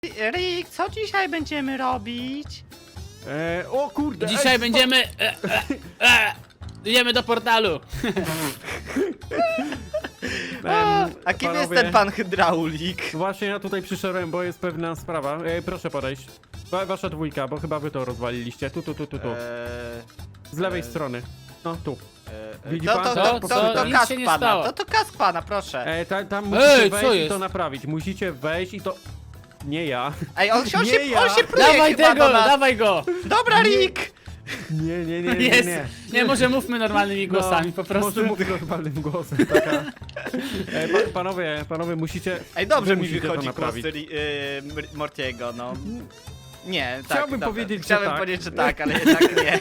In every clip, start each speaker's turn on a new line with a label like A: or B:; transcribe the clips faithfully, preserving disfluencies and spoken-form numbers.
A: Rick, co dzisiaj będziemy robić?
B: E, o kurde!
C: Dzisiaj
B: ej,
C: będziemy... E, e, e, idziemy do portalu.
A: A,
B: Em,
A: a kim jest
B: panowie,
A: ten pan hydraulik?
B: Właśnie ja tutaj przyszedłem, bo jest pewna sprawa. E, proszę podejść. Wa wasza dwójka, bo chyba wy to rozwaliliście. Tu, tu, tu, tu, tu.
A: Eee,
B: Z lewej
A: e,
B: strony. No, tu.
A: eee,
B: Widzi
A: to,
B: pan?
A: to,
C: Co?
A: to,
C: Co?
A: to, to
C: Nic
A: kask
C: się nie
A: pana,
C: stało.
A: to, to kask pana, proszę.
B: E, ta, tam musicie
C: Ej, co
B: wejść i
C: jest?
B: to naprawić. Musicie wejść i to... Nie ja.
A: Ej, on, się- on,
B: nie
A: się,
B: ja.
A: on się pluje
C: Dawaj
A: chyba
C: tego,
A: do nas.
C: dawaj go.
A: Dobra, Rick!
B: Nie, nie, nie, nie,
C: Jest.
B: nie.
C: Nie, może mówmy normalnymi głosami, po prostu.
B: Może mówię normalnym głosem, taka... E, pa, panowie, panowie, musicie...
A: Ej, dobrze
B: wy
A: mi
B: musicie to
A: wychodzi głos
B: naprawić.
A: Ri- yy, Mortiego, no. Nie, tak.
B: Chciałbym
A: dobra.
B: powiedzieć, że
A: Chciałbym
B: tak.
A: powiedzieć, że tak, ale jednak nie.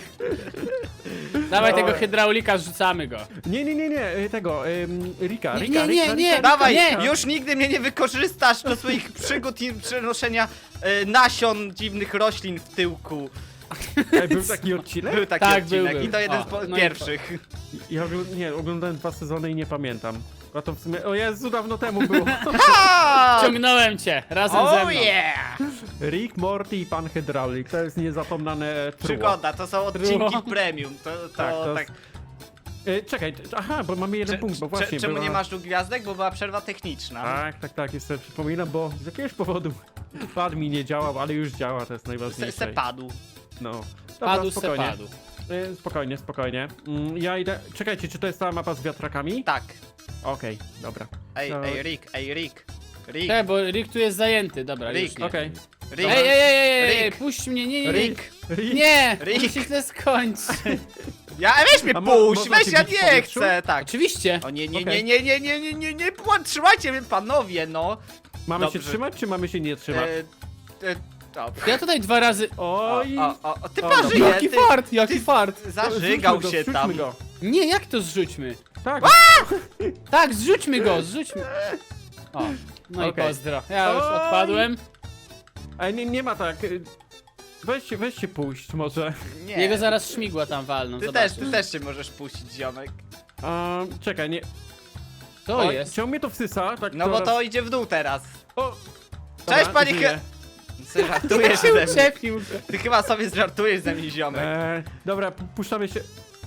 C: Dawaj
B: No.
C: tego hydraulika, rzucamy go.
B: Nie, nie, nie, nie, e, tego, ym, Rika,
C: Nie,
B: Rika,
C: nie, nie,
B: Rika,
C: nie.
B: Rika,
A: Dawaj,
C: Nie.
A: już nigdy mnie nie wykorzystasz do swoich przygód i przenoszenia e, nasion dziwnych roślin w tyłku.
B: Ej, był taki odcinek?
A: Był taki
C: Tak,
A: odcinek
C: był, był.
A: i to jeden
C: O,
A: z po-
C: no i
A: pierwszych.
B: Ja ogl nie, oglądałem dwa sezony i nie pamiętam. A to w sumie, o Jezu, dawno temu było.
A: Ha!
C: Ciągnąłem cię, razem ze
A: Oh
C: mną.
A: yeah!
B: Rick, Morty i Pan Hydraulik, to jest niezapomniane truło.
A: Przygoda, to są odcinki
C: Było.
A: premium. To, to,
B: Tak, to
A: tak.
B: E, czekaj, t- aha, bo mamy jeden
A: Cze-
B: punkt, bo
A: cze-
B: właśnie
A: Czemu
B: była...
A: nie masz tu gwiazdek? Bo była przerwa techniczna.
B: Tak, tak, tak, jeszcze przypominam, bo z jakiegoś powodu pad mi nie działał, ale już działa, to jest
A: Se,
B: najważniejsze.
A: se padł.
B: No. Dobra,
C: Padł se
B: spokojnie.
C: padł.
B: E, spokojnie, spokojnie. Mm, ja idę... Czekajcie, czy to jest ta mapa z wiatrakami?
A: Tak.
B: Okej, dobra.
A: Ej,
B: No.
A: ej, Rick, ej, Rick. Rick,
C: Czekaj, bo Rick tu jest zajęty, dobra,
A: Rick,
C: już nie.
B: Okej.
A: Rick,
C: Ej, ej, ej, ej, ej,
A: Rick.
C: puść mnie, nie, nie, nie.
A: Rick.
B: Rick?
C: Nie,
A: Rick.
C: musi się źle skończyć.
A: Ja, weź mnie
B: A mo-
A: puść,
B: można
A: weź,
B: cię
A: ja
B: bić w
A: nie
B: powietrzu?
A: chcę, tak.
C: Oczywiście.
A: O nie, nie,
B: Okej.
A: nie, nie, nie, nie, nie, nie, nie, nie, trzymajcie mnie panowie, no.
B: Mamy
A: Dobrze.
B: się trzymać, czy mamy się nie trzymać?
A: E, e, dobrze.
C: Ja tutaj dwa razy...
A: O,
B: Oj!
A: o, o, o, ty
B: O,
A: parzyje,
C: Jaki
A: ty,
C: fart, jaki
A: ty
C: fart.
A: zażygał
B: Zrzućmy go,
A: się
B: zrzućmy
A: tam.
B: Go.
C: Nie, jak to zrzućmy?
B: Tak.
C: Tak, zrzućmy go, zrzućmy. O, no
B: Okej.
C: i pozdro. Ja już
B: Oj.
C: odpadłem.
B: Ale nie, nie ma tak. y, Weźcie, weźcie puść może.
A: Nie,
C: Jego zaraz śmigła tam walną,
A: ty
C: zobaczysz.
A: też, ty też się możesz puścić, ziomek.
B: A, czekaj, nie.
C: To
B: Oj,
C: jest.
B: Czemu mnie to wsysa? Tak
A: No bo
B: coraz-
A: to idzie w dół teraz.
B: O!
A: Cześć,
B: Dobra,
A: panie
B: żyję.
A: He... Ty żartujesz
C: się
A: ze mnie.
C: uczepił.
A: Ty chyba sobie żartujesz ze mnie, ziomek.
B: E, dobra, pu- puszczamy się.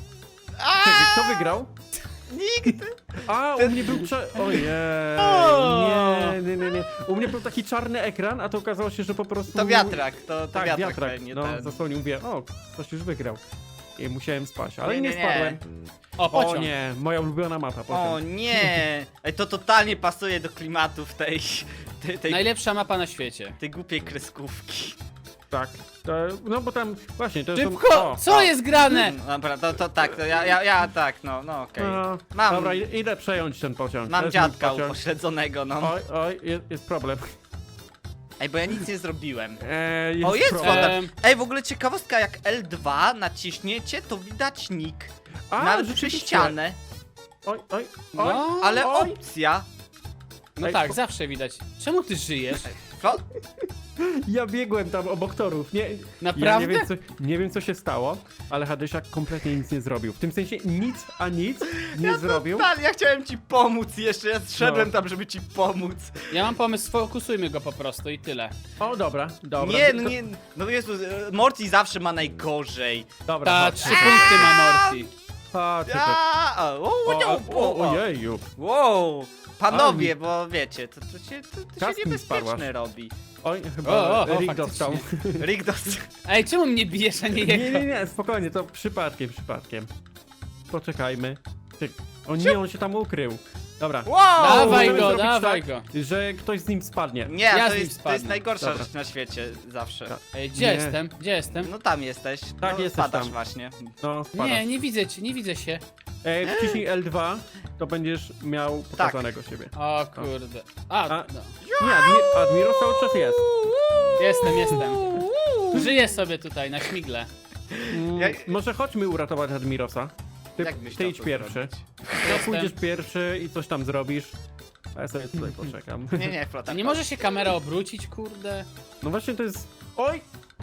A: A,
B: Czekaj, kto wygrał?
A: nikt!
B: A, u mnie był czar... Ojej,
C: O!
B: nie, nie, nie, nie. U mnie był taki czarny ekran, a to okazało się, że po prostu...
A: To wiatrak, to, to
B: Tak,
A: wiatrak,
B: wiatrak,
A: pewnie
B: no,
A: ten.
B: zasłonił, mówię, o, ktoś już wygrał. I musiałem spać, ale
A: Nie,
B: nie,
A: nie, nie.
B: spadłem.
C: O,
B: O
C: pociąg.
B: nie, moja ulubiona mapa,
A: O
B: potem.
A: nie! Ej, to totalnie pasuje do klimatu w tej, tej, tej,
C: Najlepsza mapa na świecie.
A: tej głupiej kreskówki.
B: Tak, to, no bo tam, właśnie, to
C: Szybko!
B: są... o,
C: Co jest grane?
A: No, dobra, to, to tak, to ja, ja, ja tak, no, no okej.
B: no,
A: Mam,
B: Dobra, i- idę przejąć ten pociąg. To
A: mam
B: jest mój
A: dziadka
B: pociąg.
A: upośledzonego, no.
B: Oj, oj, jest, jest problem.
A: Ej, bo ja nic nie zrobiłem.
B: E, jest
A: O, jest
B: problem.
A: woda.
C: Em.
A: Ej, w ogóle ciekawostka, jak L dwa naciśniecie, to widać nick.
B: A,
A: Nawet przez
B: rzeczywiście.
A: ścianę.
B: Oj, oj, oj.
C: No,
A: Ale
B: oj.
A: opcja.
C: no
B: Ej,
C: tak,
B: po-
C: zawsze widać. Czemu ty żyjesz?
A: Co?
B: Ja biegłem tam obok torów. Nie, ja
C: Naprawdę?
B: nie wiem, co, nie wiem co się stało, ale Hadysiak kompletnie nic nie zrobił. W tym sensie nic, a nic nie
A: Ja
B: zrobił.
A: total, ja chciałem ci pomóc jeszcze, ja zszedłem
B: No.
A: tam, żeby ci pomóc.
C: Ja mam pomysł, sfokusujmy go po prostu i tyle.
B: O, dobra, dobra.
A: Nie,
B: to-
A: no nie, no Jezu, e, Morty zawsze ma najgorzej.
B: Dobra,
C: Ta,
B: chodź.
C: trzy punkty ma Morty.
B: Chodź, chodź.
A: A, o, o,
B: O,
A: o,
B: o,
A: o,
B: ojeju.
A: Wow, panowie, bo wiecie, to, to się, to, to
B: Kask
A: się
B: mi
A: niebezpieczne
B: sparłaś.
A: robi.
B: Oj, chyba
C: O, o, o,
B: Rick
C: faktycznie.
B: dostał.
A: Rick dos...
C: Ej, czemu mnie bijesz, a nie
B: Nie,
C: jego?
B: nie, nie, spokojnie, to przypadkiem, przypadkiem. Poczekajmy. Ty- O nie, on się tam ukrył. Dobra.
A: Wow!
C: Dawaj
B: Możemy
C: go,
B: zrobić
C: dawaj
B: tak,
C: go.
B: Że ktoś z nim spadnie.
A: Nie,
C: Ja
A: to,
C: z nim
A: jest, to jest
C: spadnę.
A: najgorsza
B: Dobra.
A: rzecz na świecie, zawsze.
B: Tak.
C: Ej, gdzie
B: Nie.
C: jestem? Gdzie jestem?
A: No tam jesteś.
B: Tak,
A: no,
B: jesteś
A: spadasz
B: tam.
A: właśnie.
B: No, spada.
C: Nie, nie widzę cię, nie widzę się.
B: E, wciśnij L dwa, to będziesz miał pokazanego siebie.
C: O kurde. A,
B: A-
C: no.
B: Nie, Admi Admiros cały czas jest.
C: Jestem, jestem. Żyję sobie tutaj na śmigle.
B: Mm,
A: Ja-
B: Może chodźmy uratować Admirosa. Ty,
A: Jak byś
B: ty
A: chciał
B: idź
A: to
B: pierwszy.
A: zrobić?
B: To pójdziesz pierwszy i coś tam zrobisz. A ja sobie tutaj poczekam.
A: Nie, nie, flota.
C: A nie może się kamera obrócić, kurde?
B: No właśnie to jest... Oj!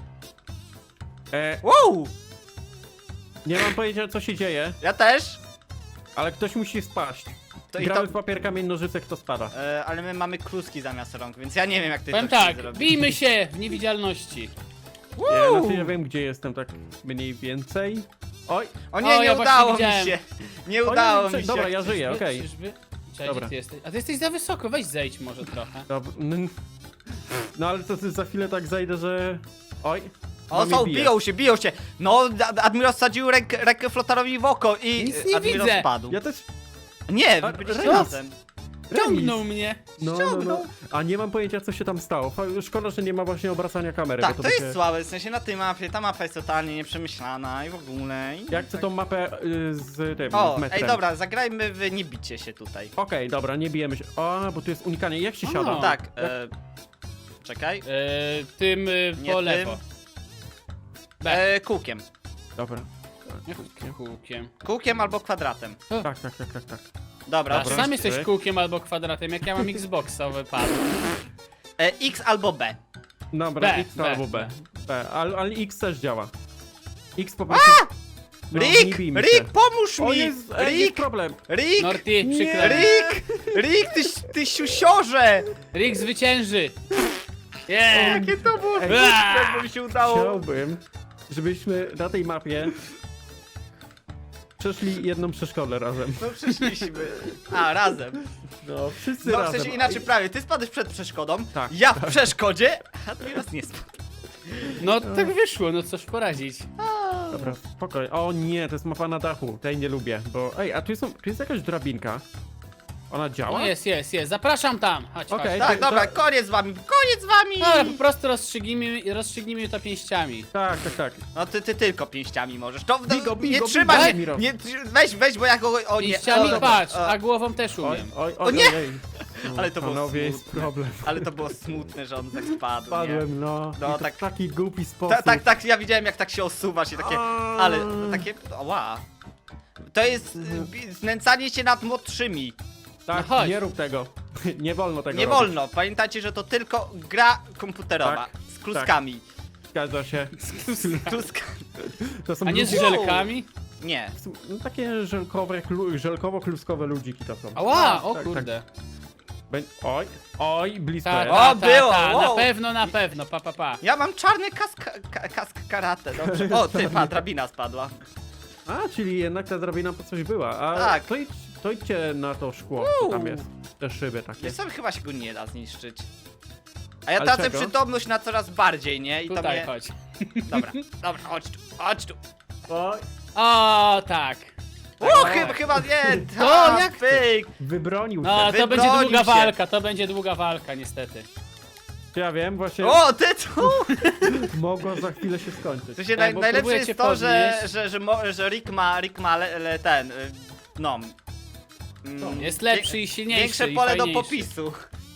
B: E,
A: Wow!
B: nie mam pojęcia co się dzieje,
A: Ja też?
B: ale ktoś musi spaść.
A: To i
B: Gramy
A: to,
B: w papier, kamień, nożyce, kto spada.
A: e, ale my mamy kluski zamiast rąk, więc ja nie wiem jak ty
C: Powiem
A: to chcesz
C: tak,
A: zrobić.
C: bijmy się w niewidzialności.
B: Ja, znaczy, ja wiem, gdzie jestem tak mniej więcej. Oj,
A: O nie,
C: O,
A: nie
C: ja właśnie
A: udało mi
C: widziałem.
A: się. Nie
B: Oj,
A: udało
B: oj,
A: mi się.
B: dobra, ja żyję,
C: Czyżby-
B: okej.
C: czyżby? Cześć,
B: Dobra.
C: gdzie ty jesteś? A ty jesteś za wysoko, weź zejdź może trochę.
B: dobra. n- No ale to ty za chwilę tak zajdę, że... Oj.
A: O,
B: no mnie
A: są,
B: bije.
A: biją się, biją się. No, Ad- Admiros wsadził rękę, rękę Flotarowi w oko i
C: Nic
A: e,
C: nie
A: Admiros
C: widzę.
A: spadł.
B: Ja też...
A: Nie,
B: A,
A: wy byliście
B: remis.
A: razem.
C: Ciągnął mnie.
B: No, no, no. A nie mam pojęcia, co się tam stało. Fa- Szkoda, że nie ma właśnie obracania kamery.
A: Tak,
B: bo
A: to
B: by
A: jest
B: się...
A: słabe, w sensie na tej mapie, ta mapa jest totalnie nieprzemyślana i w ogóle. I
B: Jak chcę
A: tak.
B: tą mapę y, z tym,
A: O,
B: z metrem.
A: ej dobra, zagrajmy w nie bicie się tutaj.
B: Okej, dobra, nie bijemy się. O, bo tu jest unikanie. Jak się
C: O.
B: siada?
A: Tak, e, czekaj.
C: E, tym e,
A: Nie
C: po
A: tym.
C: lewo. B.
A: E, kółkiem.
B: Dobra.
C: Kółkiem. Kółkiem.
A: Kółkiem albo kwadratem.
B: Tak, tak, tak, tak, tak.
A: Dobra,
C: A
A: dobra.
C: sam jesteś
B: Trzy.
C: kółkiem albo kwadratem, jak ja mam Xboxowy pad.
A: E, X albo B.
B: Dobra,
C: B,
B: X
C: B,
B: albo B. B. Ale, ale X też działa. X po prostu... No, nie
A: Rick!
B: bijmy się.
A: Rick, pomóż
B: O,
A: mi!
B: jest, e, jest
A: Rick!
B: problem.
A: Rick!
C: Norty,
B: Nie.
C: przykro. mi.
A: Rick! Rick, ty, ty siusiorze!
C: Rick zwycięży. Yeah.
A: Jakie to było
B: Ej.
A: smutne, bo mi się udało.
B: Chciałbym, żebyśmy na tej mapie przeszli jedną przeszkodę razem.
A: No przeszliśmy. A, razem.
B: No, wszyscy
A: No w
B: razem.
A: sensie inaczej prawie, ty spadłeś przed przeszkodą,
B: Tak,
A: ja w przeszkodzie, a teraz nie spadł.
C: No tak wyszło, no cóż poradzić.
B: Dobra, spokojnie. O nie, to jest mapa na dachu. Tej nie lubię, bo... Ej, a tu jest, tu jest jakaś drabinka. Ona działa?
C: No jest, jest, jest. Zapraszam tam. Chodź,
B: Okej.
C: chodź.
A: Tak,
B: to-
A: dobra,
B: to-
A: koniec z wami, koniec z wami!
C: No, po prostu rozstrzygnijmy, rozstrzygnijmy to pięściami.
B: Tak, tak, tak.
A: No ty, ty tylko pięściami możesz. To,
B: Bij go, bij
A: nie
B: go,
A: trzymaj
B: bij
A: się,
B: go, Admiro.
A: nie, weź, weź, bo ja go, o nie.
C: Pięściami
A: o,
C: patrz,
A: o,
C: a głową też
B: Oj,
C: umiem.
B: oj,
A: O
B: oj,
A: nie!
B: ojej. No,
A: Ale to było
B: panowie, jest
A: smutne.
B: problem.
A: Ale to było smutne, że on tak spadł, nie?
B: Spadłem, no.
A: No,
B: I to
A: tak-
B: w taki głupi sposób.
A: Ta, tak, tak, ja widziałem jak tak się osuwasz i takie,
B: A.
A: ale takie, ła. To jest y, bi- znęcanie się nad młodszymi.
B: Tak,
C: No chodź.
B: nie rób tego. Nie wolno tego
A: Nie
B: robić.
A: wolno, pamiętajcie, że to tylko gra komputerowa.
B: Tak,
A: Z kluskami.
B: Zgadza się.
A: Kluskami.
B: To są
C: A nie z
B: ludzie-
C: żelkami?
A: Nie.
B: No, takie żelkowe, klu- żelkowo-kluskowe ludziki to są.
C: Ała, o
B: tak,
C: kurde.
B: Bę- Oj, oj, blisko
C: Ta,
B: jest.
C: ta,
A: O,
C: ta,
A: było,
C: ta, na
A: wow.
C: pewno, na pewno, pa, pa, pa.
A: Ja mam czarny kask, ka, kask karate, dobrze. O, ty, pa, drabina spadła.
B: A, czyli jednak ta drabina po coś była. A
A: Tak.
B: to, idź, to idźcie na to szkło, co tam jest. Te szyby takie.
A: Wiesz co, chyba się go nie da zniszczyć. A ja
B: Ale
A: tracę
B: czego?
A: przytomność na coraz bardziej, nie? I to
C: Tutaj
A: mnie...
C: chodź.
A: Dobra, dobra, chodź tu, chodź tu.
B: Oj,
C: O, tak.
A: O, chyba, chyba nie,
C: To
A: tak,
C: jak to?
A: pyk.
B: wybronił
C: No,
B: się.
C: to będzie
A: Wybronił
C: długa
A: się.
C: walka, to będzie długa walka, niestety.
B: Ja wiem, właśnie
A: O, ty tu!
B: mogło za chwilę się skończyć.
A: W sensie
C: Tak,
A: naj,
C: bo
A: najlepsze
C: próbuję
A: jest
C: cię
A: to, że,
C: podnieść.
A: że, że, mo, że Rick ma, Rick ma le, le, ten, y, no... mm,
C: Jest lepszy i silniejszy
A: Większe
C: i
A: pole do
C: fajniejszy.
A: popisu.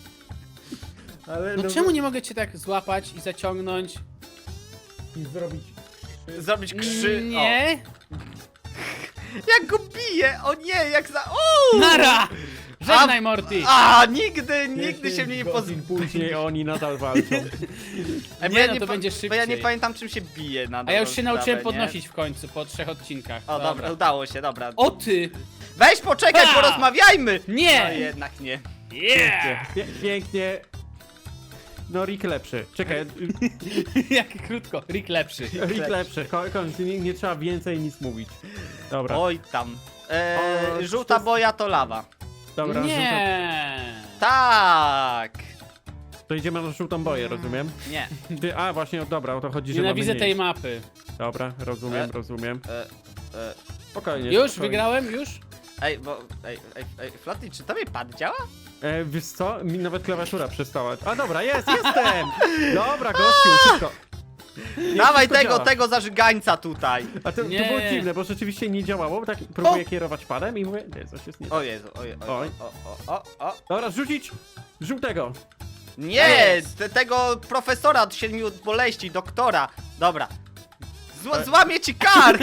B: Ale
C: No czemu nie mogę cię tak złapać i zaciągnąć?
B: i zrobić?
A: Zrobić krzy...
C: Nie.
A: O, jak go bije! O nie, jak za... O!
C: Nara! Żegnaj, Morty!
A: A, nigdy, nigdy się mnie nie
B: godzin
A: pozbył.
B: później oni nadal walczą.
C: Nie, no to będzie szybciej.
A: Bo ja nie pamiętam czym się bije na
C: A ja już się
A: dobrą
C: nauczyłem
A: sprawę, nie?
C: podnosić w końcu, po trzech odcinkach.
A: O, dobra, udało się, dobra.
C: O ty!
A: Weź poczekaj,
C: Ha!
A: porozmawiajmy!
C: Nie!
A: No jednak nie.
C: Yeah!
B: Pie pięknie. No, Rick lepszy. Czekaj,
C: Jak krótko, Rick lepszy.
B: Rick lepszy. Ko- Koniec, nie, nie trzeba więcej nic mówić. Dobra,
A: Oj tam. E,
B: O,
A: żółta
B: to-
A: boja to lawa.
B: dobra, żółta,
C: Nie!
A: Tak!
B: to idziemy na żółtą boję, rozumiem?
A: Nie.
B: Ty, a właśnie, o, dobra, o to chodzi, że
C: Nienawidzę
B: mamy nie
C: tej
B: iść.
C: mapy.
B: Dobra, rozumiem,
A: E?
B: rozumiem.
A: E, e,
B: Spokojnie.
C: Już?
B: spokojnie.
C: Wygrałem? Już?
A: ej, bo. Ej, ej, ej, Flaty, czy tobie pad działa?
B: E, wiesz co? Mi nawet klawiatura przestała. A dobra, jest, jestem! Dobra, gościu, szybko.
A: Dawaj
B: wszystko
A: tego,
B: działa.
A: tego zażygańca tutaj.
B: A to, to
C: Nie.
B: było dziwne, bo rzeczywiście nie działało, bo tak próbuję kierować padem i mówię, nie, coś jest nie tak.
A: O Jezu, oj, oj,
B: Oj.
A: o, o, o, o.
B: Dobra, rzucić żółtego.
A: Nie,
C: Jest.
A: te, tego profesora od siedmiu boleści, doktora. Dobra. Zła,
B: E.
A: złamie ci kark!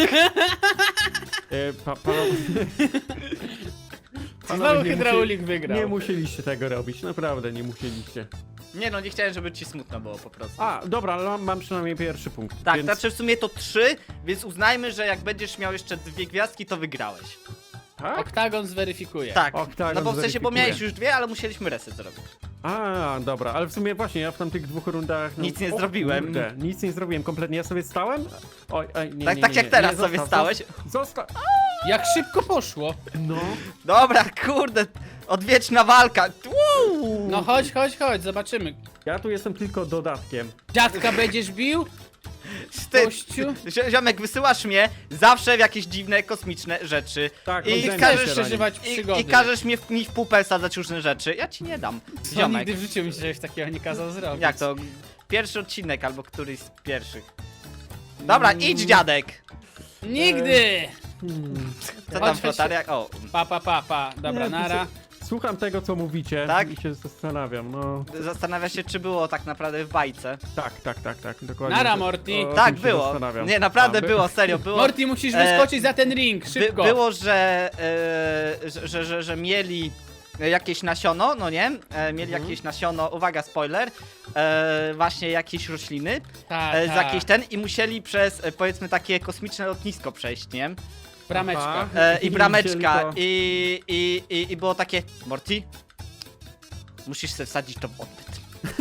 B: E, pa, pa,
C: Znowu
B: nie
C: hydraulik
B: musieli-
C: wygrał.
B: Nie musieliście tego robić, naprawdę nie musieliście.
A: Nie no, nie chciałem, żeby ci smutno było po prostu.
B: A, dobra, ale mam, mam przynajmniej pierwszy punkt.
A: Tak,
B: więc...
A: znaczy w sumie to trzy, więc uznajmy, że jak będziesz miał jeszcze dwie gwiazdki, to wygrałeś.
B: Tak?
C: Oktagon zweryfikuje.
A: Tak,
B: Oktagon
A: no bo w sensie, bo
B: zweryfikuje.
A: miałeś już dwie, ale musieliśmy reset zrobić.
B: A, dobra, ale w sumie właśnie ja w tamtych dwóch rundach... No,
A: Nic nie
B: o
A: zrobiłem.
B: Kurde, nic nie zrobiłem, kompletnie. Ja sobie stałem? Oj, oj, nie,
A: Tak-
B: nie,
A: tak
B: nie,
A: jak
B: nie,
A: teraz
B: nie,
A: sobie
B: zostaw,
A: stałeś.
B: Zostaw.
C: Jak szybko poszło.
B: No.
A: Dobra, kurde, odwieczna walka. Uuu.
C: No chodź, chodź, chodź, zobaczymy.
B: Ja tu jestem tylko dodatkiem.
C: Dziadka będziesz bił?
A: Ty,
C: Gościu?
A: Zio- ziomek, wysyłasz mnie zawsze w jakieś dziwne, kosmiczne rzeczy.
B: Tak,
A: I
B: odbędzie
A: każesz
B: się na nim.
C: przeżywać
A: I,
C: przygody.
A: I każesz mnie w, mi w pupę sadzać różne rzeczy. Ja ci nie dam.
C: Co,
A: Ziomek.
C: nigdy w życiu mi się czegoś takiego nie kazał zrobić.
A: Jak to? Pierwszy odcinek albo któryś z pierwszych. Dobra,
C: Mm.
A: idź dziadek.
C: Nigdy!
B: Hmm.
A: Co
C: Chodź,
A: tam
C: chodź,
A: flotaria? O,
C: Pa, pa, pa, pa. Dobra,
B: Nie, to
C: nara.
B: se- Słucham tego, co mówicie
A: Tak?
B: i się zastanawiam, no...
A: zastanawia się, czy było tak naprawdę w bajce.
B: Tak, tak, tak, tak, dokładnie.
C: Nara,
B: O-
C: Morty.
B: o
A: Tak,
B: tym się
A: było.
B: zastanawiam.
A: Nie, naprawdę
B: A, by-
A: było, serio, było.
C: Morty, musisz
A: E,
C: wyskoczyć za ten ring,
A: By,
C: szybko.
A: było, że, e, że, że, że, że mieli jakieś nasiono, no nie? E, mieli
B: Mhm.
A: jakieś nasiono, uwaga, spoiler, e, właśnie jakieś rośliny,
C: Tak,
A: e, z
C: tak.
A: jakiejś ten i musieli przez, e, powiedzmy, takie kosmiczne lotnisko przejść, nie?
C: Brameczka.
B: Aha.
A: E, I
B: I
A: brameczka
B: wzięli to-
A: i, i, i, i było takie, Morty, musisz sobie wsadzić to w odbyt.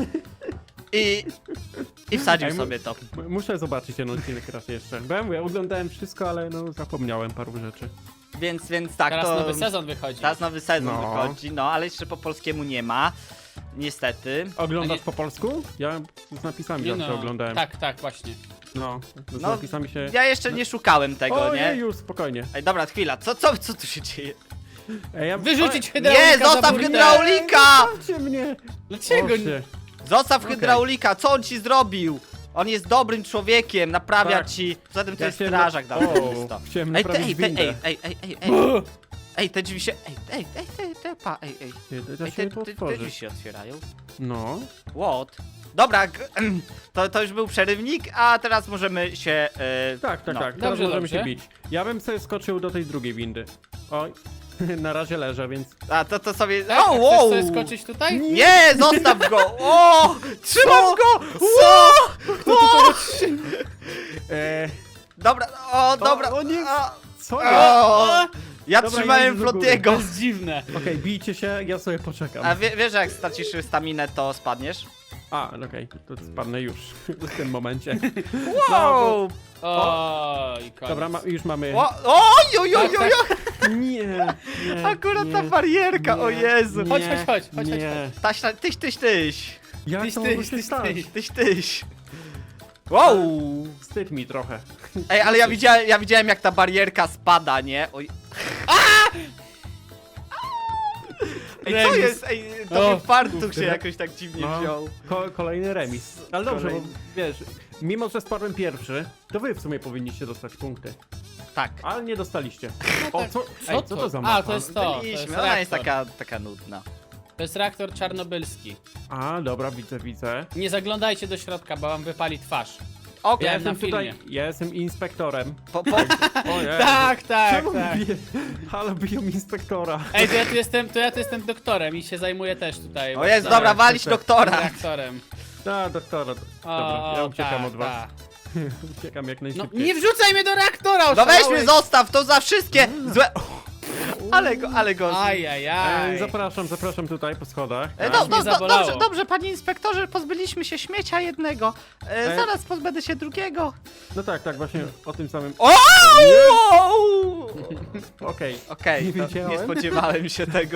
A: I, i wsadził
B: Ej, mu-
A: sobie to.
B: M- Muszę zobaczyć ten odcinek raz jeszcze. Byłem, ja oglądałem wszystko, ale no zapomniałem paru rzeczy.
A: Więc, więc tak,
C: Teraz
A: to...
C: nowy sezon wychodzi.
A: Teraz nowy sezon
B: No.
A: wychodzi, no ale jeszcze po polskiemu nie ma. Niestety.
B: Oglądasz
C: A nie-
B: po polsku? Ja z napisami
C: Nie
B: zawsze
C: no,
B: oglądałem.
C: tak, tak, właśnie.
B: No, z
A: No,
B: napisami się...
A: Ja jeszcze nie szukałem tego,
B: o,
A: nie?
B: już, spokojnie.
A: Ej, dobra, chwila, co, co, co tu się dzieje?
B: Ej, ja...
C: Wyrzucić hydraulika
A: Nie,
C: za
A: zostaw
C: burtę.
A: hydraulika!
B: Zostawcie mnie!
C: Dlaczego nie?
B: Boże.
A: Zostaw
B: Okej.
A: hydraulika, co on ci zrobił? On jest dobrym człowiekiem, naprawia
B: Tak.
A: ci. Poza tym to
B: Ja
A: jest
B: chciałem-
A: strażak
B: O,
A: daleko.
B: chciałem
A: Ej, te,
B: naprawić
A: ej, te,
B: windę.
A: ej, ej, ej, ej, ej. Ej, te drzwi się. Ej, ej, ej, ej, te, pa, ej, ej.
B: Ty, Da
A: Ej,
B: się
A: te,
B: to
A: te, te drzwi
B: otworzyć.
A: się otwierają.
B: No.
A: What? Dobra, g- to, to już był przerywnik, a teraz możemy się. E,
B: Tak, tak,
A: no.
B: tak. Teraz
C: Dobrze,
B: możemy
C: dobrze.
B: się bić. Ja bym sobie skoczył do tej drugiej windy. Oj. Na razie leżę, więc...
A: A to, to sobie.
C: Tak?
A: O,
C: A
A: wow!
C: chcesz sobie skoczyć tutaj?
A: Nie, zostaw go! O! Trzymam go!
B: Co?
A: O!
B: Eee,
A: Dobra, o, dobra.
B: o nie.
A: O,
B: co
A: o,
B: ja?
A: o. Ja
B: Dobra,
A: trzymałem
B: ja idę do góry.
A: Flotiego.
C: To jest dziwne.
B: Okej, bijcie się, ja sobie poczekam.
A: A wie, wiesz, że jak stracisz staminę, to spadniesz?
B: A, okej, to spadnę już w tym momencie.
A: Wow!
C: Oj, koniec.
B: Dobra, ma, już mamy...
A: O, oj, oj, oj,
C: Tak,
A: oj,
C: tak.
A: oj.
B: Nie, nie,
A: Akurat
B: nie,
A: ta barierka, o
B: nie,
A: Jezu.
B: nie,
C: Chodź, chodź, chodź, chodź,
B: nie.
A: Taś, ta- tyś, tyś, tyś.
B: Jak
C: Tyś,
B: to
C: tyś,
B: mogło się
C: tyś,
B: stać?
C: tyś.
A: Tyś, tyś. Wow!
B: Wstyd mi trochę.
A: Ej, ale ja widziałem, ja widziałem jak ta barierka spada, nie? Oj. Ej, co
C: Remis.
A: jest? Ej, to
C: O,
A: mi fartuch się
B: kurde.
A: jakoś tak dziwnie
B: No,
A: wziął.
B: ko kolejny remis. Ale dobrze,
A: Kolejny.
B: bo wiesz, mimo że spadłem pierwszy, to wy w sumie powinniście dostać punkty.
A: Tak.
B: Ale nie dostaliście. O, co,
C: Co
B: ej, co to za mapa?
C: A, to jest to. To jest
A: Byliśmy, ona jest
C: reaktor.
A: taka, taka nudna.
C: To jest reaktor czarnobylski.
B: A, dobra, widzę, widzę.
C: Nie zaglądajcie do środka, bo wam wypali twarz.
A: Okej,
B: Ja
C: Wiem, na
B: jestem tutaj,
C: filmie.
B: ja jestem inspektorem.
A: po, po,
B: O nie.
C: Tak, tak,
B: Czemu
C: tak.
B: bije? Halo, biją inspektora.
C: Ej, to ja tu jestem, to ja tu jestem doktorem i się zajmuję też tutaj.
A: o jest,
C: tak,
A: dobra, walić
B: tak, tak.
A: doktora.
C: reaktorem.
B: A, doktora. Dobra, ja uciekam
C: tak,
B: od was.
C: tak.
B: Uciekam jak
C: No
B: najszybciej.
C: nie wrzucaj mnie do reaktora,
A: No weź
C: oszalałeś.
A: mnie, zostaw, to za wszystkie złe... Ale go, ale go...
C: Ajajaj.
B: Ej, zapraszam, zapraszam tutaj po schodach.
A: E,
B: tak?
A: do,
C: Aż mnie
A: do, do,
C: zabolało.
A: dobrze, dobrze, panie inspektorze, pozbyliśmy się śmiecia jednego. E,
B: E.
A: zaraz pozbędę się drugiego.
B: No tak, tak, właśnie o tym samym.
A: O!
B: Okej.
A: Okej,
B: Nie
A: to
B: wiedziałem.
A: nie spodziewałem się tego.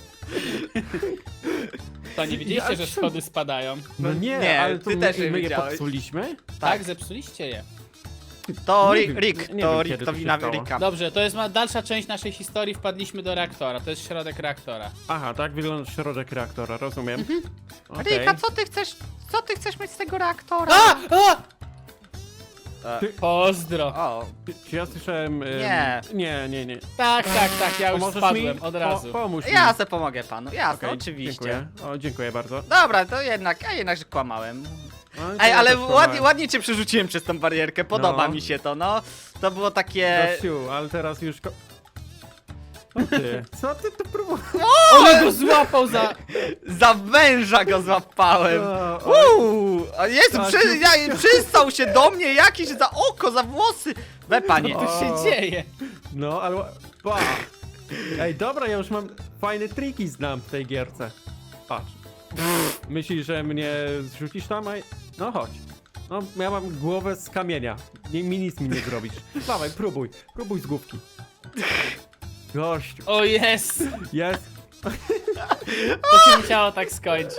C: To nie widzieliście,
B: Ja-
C: że schody spadają?
B: No nie,
A: Nie,
B: ale to
A: ty
B: my,
A: też je
B: my je
A: widziałeś.
B: popsuliśmy?
C: Tak, zepsuliście je.
A: To
B: Nie
A: Rick,
B: wiem,
A: Rick
B: nie
A: to
B: wiem,
A: Rick,
B: kiedy
A: to
B: to się
A: wina
B: stało.
A: Ricka.
C: Dobrze, to jest ma dalsza część naszej historii, wpadliśmy do reaktora. To jest środek reaktora.
B: Aha, tak wygląda środek reaktora, rozumiem.
C: Mhm.
B: Okej.
A: Rika, co ty chcesz, co ty chcesz mieć z tego reaktora?
C: A! A!
A: E,
C: Pozdro.
A: o,
B: Czy, czy ja słyszałem... ym,
A: Nie.
B: Nie, nie, nie.
C: Tak, tak, tak, ja już
B: Pomożesz
C: spadłem
B: mi?
C: od razu.
B: Po, pomóż mi.
A: ja se pomogę panu, jasne,
B: Okej,
A: oczywiście.
B: Dziękuję. O, dziękuję bardzo.
A: Dobra, to jednak, a jednak, że kłamałem.
B: No, to
A: Ej,
B: ja
A: ale
B: też
A: ładnie,
B: kłamałem.
A: ładnie cię przerzuciłem przez tą barierkę, podoba
B: No.
A: mi się to, no. To było takie...
B: Gościu, ale teraz już... Ko... O ty, co ty tu próbujesz?
C: On go złapał za...
A: Za węża go złapałem.
B: O, o,
A: Uuu, a Jezu,
B: Tak,
A: przy,
B: już-
A: ja, przystał się do mnie jakiś za oko, za włosy. We panie.
C: Co tu się
B: O.
C: dzieje?
B: No, ale... Pa. Ej, dobra, ja już mam fajne triki znam w tej gierce. Patrz. Myślisz, że mnie zrzucisz tam? Ej, no chodź. No, ja mam głowę z kamienia. Nie, mi nic mi nie zrobisz. Dawaj, próbuj. Próbuj z główki. Gościu.
C: O jest!
B: Jest.
C: To się musiało tak skończyć.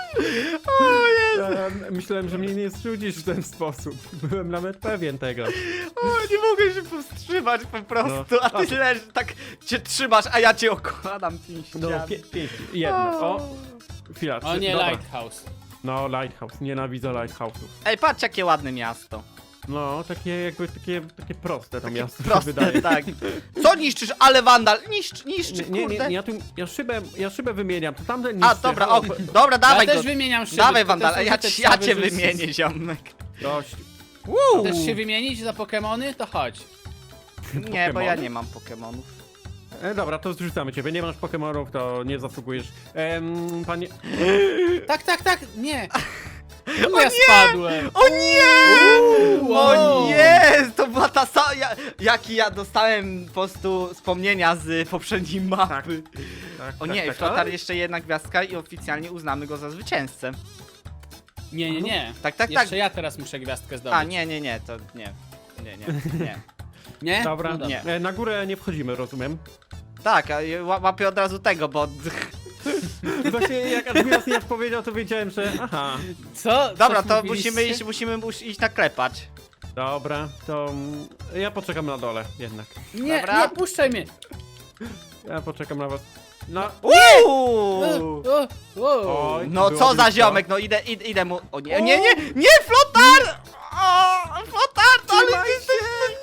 B: Ja myślałem, że mnie nie zrzucisz w ten sposób. Byłem nawet pewien tego.
A: O, nie mogę się powstrzymać po prostu,
B: No.
A: a ty leż, tak cię trzymasz, a ja cię okładam pięściami.
B: No, pie pięknie. Jedno. O. Chwila.
C: O
B: trzy-
C: nie,
B: dobra.
C: Lighthouse.
B: No, Lighthouse. Nienawidzę Lighthouse'ów.
A: Ej, patrz jakie ładne miasto.
B: No, takie jakby, takie, takie proste to miasto się
A: Proste,
B: wydaje.
A: tak. Co niszczysz? Ale wandal, niszcz, niszcz,
B: Nie, nie,
A: kurde.
B: nie, ja tu, ja szybę, ja szybę wymieniam, to tamten niszczy.
A: A, dobra, o, dobra,
C: Ja
A: dawaj
C: też
A: go.
C: wymieniam szyby.
A: Dawaj
C: to
A: wandal,
C: też
A: ja,
C: użyte
A: ci- ja
C: cały
A: cię
C: życie.
A: wymienię, ziomek.
B: Dość.
A: Uuu.
C: Chcesz się wymienić za Pokemony? To chodź.
A: Nie, bo ja
B: Pokemony?
A: nie mam Pokemonów.
B: E, dobra, to zrzucamy ciebie, nie masz Pokemonów, to nie zasługujesz. Em, panie...
C: Tak, tak, tak, nie! O ja spadłem!
A: O nie!
C: Uuu,
A: O
C: wow.
A: nie! To była ta sama. Ja, jaki ja dostałem po prostu wspomnienia z poprzedniej mapy.
B: Tak,
A: O
B: tak,
A: nie,
B: tak,
A: Flotar
B: ale-
A: jeszcze jedna gwiazdka i oficjalnie uznamy go za zwycięzcę.
C: Nie, nie, nie.
A: Tak, tak,
C: Jeszcze
A: tak.
C: ja teraz muszę gwiazdkę zdobyć.
A: A nie, nie, nie, to nie. Nie, nie, nie.
C: Nie?
B: Dobra,
C: No dobra.
A: Nie.
B: E, na górę nie wchodzimy, rozumiem.
A: Tak, a ja ła- łapię od razu tego, bo.
B: Właśnie jak Admiros nie powiedział, to wiedziałem, że aha.
C: Co?
A: Dobra,
C: Coś
A: to
C: mówiliście?
A: musimy iść, musimy mus- iść naklepać.
B: Dobra, to mm, ja poczekam na dole jednak.
C: Nie,
A: Dobra.
C: nie, puszczaj mnie!
B: Ja poczekam na was. No,
A: Uuu!
C: O, o.
B: Oj.
A: No
B: Było
A: co za
B: blisko.
A: ziomek, no idę, idę, idę mu. O nie, nie, nie, nie, Flotar! O, Flotar, to ale
B: Trzymaj
A: jesteś.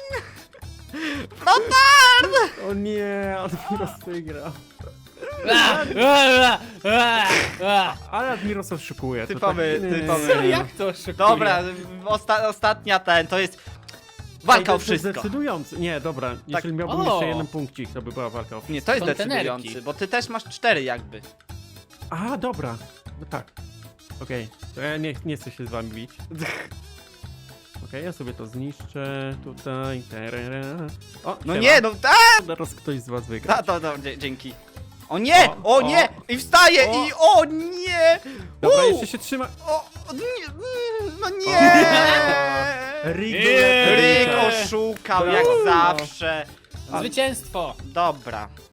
A: Flotar!
B: o nie, Admiros wygrał.
C: A, a, a, a.
B: Ale Admiros oszukuje. to
A: Typowy,
B: tak- nie.
A: typowy.
C: Co, jak to oszukuje?
A: Dobra, osta ostatnia ten, to jest walka o
B: Ej, to jest
A: wszystko.
B: decydujący. Nie, dobra, jeśli miałbym
C: O.
B: jeszcze jeden punkcik, to by była walka o wszystko.
A: Nie, to jest
C: Kontenerki.
A: decydujący, bo ty też masz cztery jakby.
B: A, dobra, no tak. Okej, to ja nie, nie chcę się z wami bić. Okej, ja sobie to zniszczę tutaj. Terera. O,
A: No
B: siema.
A: nie, no a,
B: Teraz ktoś z was wygra.
A: ta, to, to, dzie- dzięki. O nie,
B: O,
A: o nie,
B: o.
A: i wstaje,
B: O.
A: i o nie!
B: Dobra,
A: Uuu,
B: jeszcze się trzyma.
A: o, nie, mm, no nie!
B: Rick,
C: Nie.
A: Rick
B: Rick
A: oszukał
B: Brawo.
A: jak zawsze.
C: Zwycięstwo!
A: Dobra,